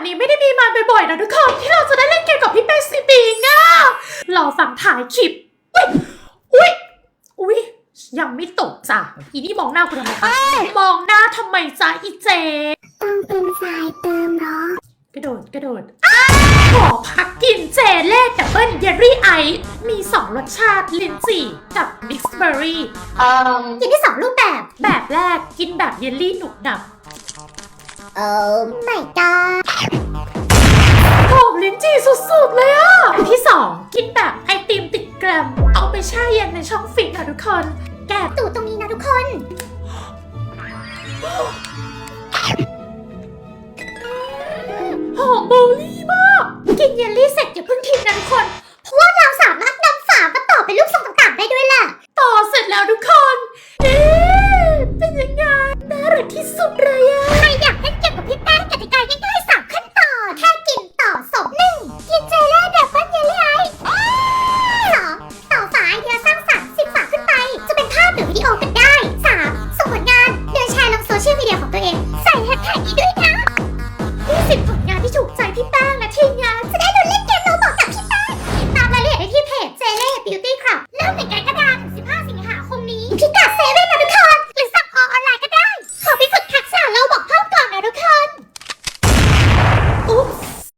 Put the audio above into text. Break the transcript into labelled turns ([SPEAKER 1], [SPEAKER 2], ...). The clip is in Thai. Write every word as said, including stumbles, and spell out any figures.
[SPEAKER 1] นี้ไม่ได้มีมาบ่อยๆนะทุกคนที่เราจะได้เล่นเกมกับพี่เป้ซีบิงอะรอฟังถ่ายคลิปอุ้ยอุ้ยยังไม่ตกจ้ะอีนี่มองหน้าคุณทำไมคะมองหน้าทำไมจ๊ะอีเจ
[SPEAKER 2] ต้องเป็นสายเติมหรอก
[SPEAKER 1] ระโดดกระโดดขอพักกินเจเล่ดับเบิลเยลลี่ไอซ์มีสองรสชาติลิ้นจี่กับมิกซ์เบอร์รี่
[SPEAKER 2] เอ่อกินได้สองรูปแบบ
[SPEAKER 1] แบบแรกกินแบบเยลลี่หนุบหนับ
[SPEAKER 2] เออไม่กล้า
[SPEAKER 1] หอมลิ้นจี่สุดๆเลยอ่ะที่สองกินแบบไอติมติดแกรมเอาไปแช่เย็นในช่องฟิตนะทุกคนแกะ
[SPEAKER 2] ตูดตรงนี้นะทุกคน
[SPEAKER 1] หอมเบอร์รี่มากกินเยลลี่เสร็จอย่าเพิ่งทิ้งนะทุกคน